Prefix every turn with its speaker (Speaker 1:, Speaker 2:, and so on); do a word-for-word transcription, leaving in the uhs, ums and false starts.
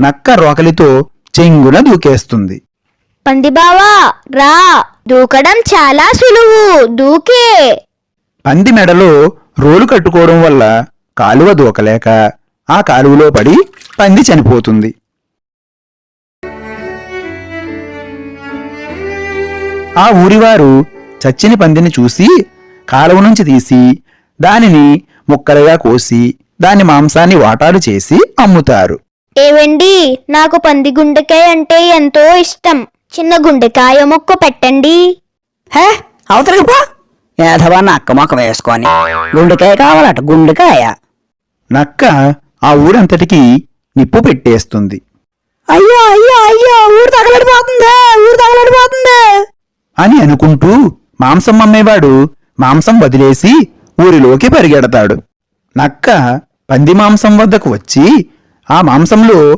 Speaker 1: నక్క రోకలితో చెంగున దూకేస్తుంది.
Speaker 2: పందిబావా రా, దూకడం చాలా సులువు, దూకే.
Speaker 1: పంది మెడలో రోలు కట్టుకోవడం వల్ల కాలువ దూకలేక ఆ కాలువలో పడి పంది చనిపోతుంది. ఆ ఊరివారు చచ్చిన పందిని చూసి కాలువ నుంచి తీసి దానిని ముక్కలుగా కోసి దాని మాంసాన్ని వాటాలు చేసి అమ్ముతారు.
Speaker 2: ఏవండి, నాకు పంది గుండెకాయ అంటే ఎంతో ఇష్టం. చిన్న గుండెకాయ ముక్క పెట్టండి.
Speaker 3: హే అవతలకి పో, ఏధవా నక్క మొక్క వేసుకొని. గుండెకాయ కావాలట, గుండెకాయ.
Speaker 1: నక్క ఆ ఊరంతటికి నిప్పు పెట్టేస్తుంది.
Speaker 3: అయ్యో అయ్యో అయ్యో, ఊరు తగలడిపోతుంది, ఊరు తగలడిపోతుంది
Speaker 1: అని అనుకుంటూ మాంసం అమ్మేవాడు మాంసం వదిలేసి ఊరిలోకి పరిగెడతాడు. నక్క పంది మాంసం వద్దకు వచ్చి ఆ మాంసంలో